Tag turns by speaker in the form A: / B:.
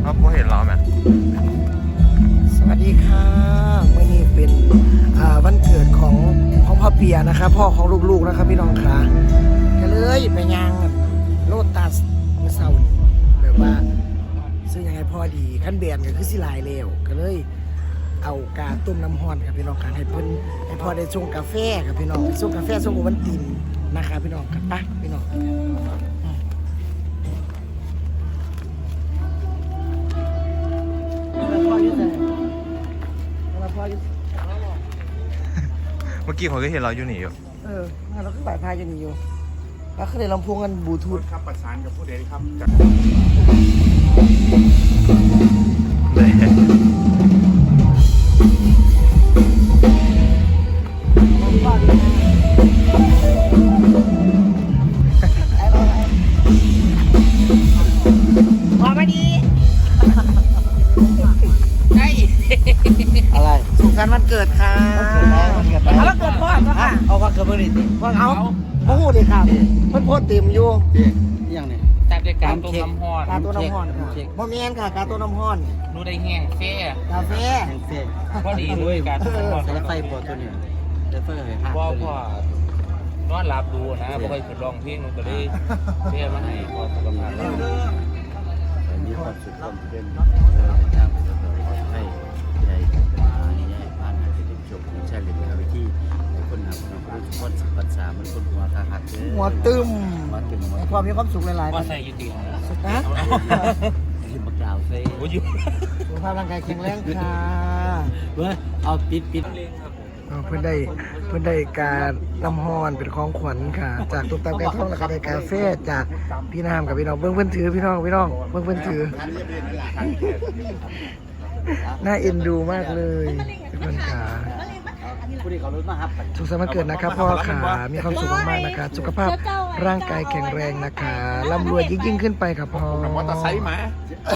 A: ครับผมเห็นเราไหม
B: สวัสดีค่ะมื่อนี้เป็นวันเกิดของพ่อเปียนะครับพ่อของลูกๆนะครับพี่น้องค่ะก็เลยไปย่างโลตัสเมื่อเช้านี้แบบว่าซื้อยังไงพอดีขั้นเบียนก็คือสิลายเร็วก็เลยเอากาต้มน้ำฮ้อนครับพี่น้องค่ะให้เพิ่นให้พ่อได้ชงกาแฟครับพี่น้องชงกาแฟชงโอวัลตินนะครับพี่น้องครับไปพี่น้องพ่ออยู่ไหนพ่ออยู่
A: เมื่อกี้ผมก็เห็นเราอยู่นี่อยู่
B: เราก็บ่ายพายกันอยู่แล้วก็เลยลำโพงกันบลูทูธ
C: ครับประสานกับผู้ใดครับ
A: เลย
B: พอมาดีใช่อะไรสุขสันต์วันเกิดค่ะวันเกิดพ่อก็ค่ะเอาวันเกิดเมื่อนี้สิวันเอาโอ้โหดีครับเพิ่นโพสต์เต็มอยู่
D: อย่างนี้
E: แต่ด้วยการต้มน้ำฮ้อน
B: กาตัวน้ำฮ้อนค่ะบ่แม่นค่ะกาตัวน้ำฮ้อน
E: รู้ได้แห้งแฟ่
B: กาแฟ
D: เฟ่
E: พอดีด้วยการต้มน้ำฮ้อน
D: ใช้ไฟปวดตัวนี้ใช้ไฟให้หัก
E: พ่อนอนหลับดูนะบ่เคยฝึกร้องเพลงมันก็เลยเพื่อมาให้พ่อสุขภาพดี
D: มีความสุขความเป็นทางให้ใหญ่เป็นมานี่ให้ผ่านมาเป็นจบใช่เลยเป็นวิธีคนหาคนรู้ทุกคนปัญหามันคนหัวตาหักเลย
B: หัวตึม
D: หัวตึมหัว
B: ให้ความมีความสุขหลายๆ
E: ว่าใส่ยุติของ
B: นะ
D: ที่บักดาวเซ่
E: โอ้ย
B: สุขภาพร่างกายแข็งแรงค่ะ
D: เว้ยเอาปิด
B: เพื่อนได้การน้ำฮ้อนเป็นของขวัญค่ะ จากตุ๊กตาแก้วทองแล้วก็ได้กาแฟจากพี่น้ำกับพี่น้องเบิ้งเพื่อนถือพี่น้องเบิ้งเพื่อนถือน่าเอ็นดูมากเลยทุกคนค่ะ
D: ผู้ที่เขารู้มาครับ
B: สุขสันต์วันเกิดนะครับพ่อค่ะมีความสุขมากๆนะคะสุขภาพร่างกายแข็งแรงนะคะร่ำรวยยิ่งขึ้นไปครับพ่อ
C: มอเตอร์ไซค์มา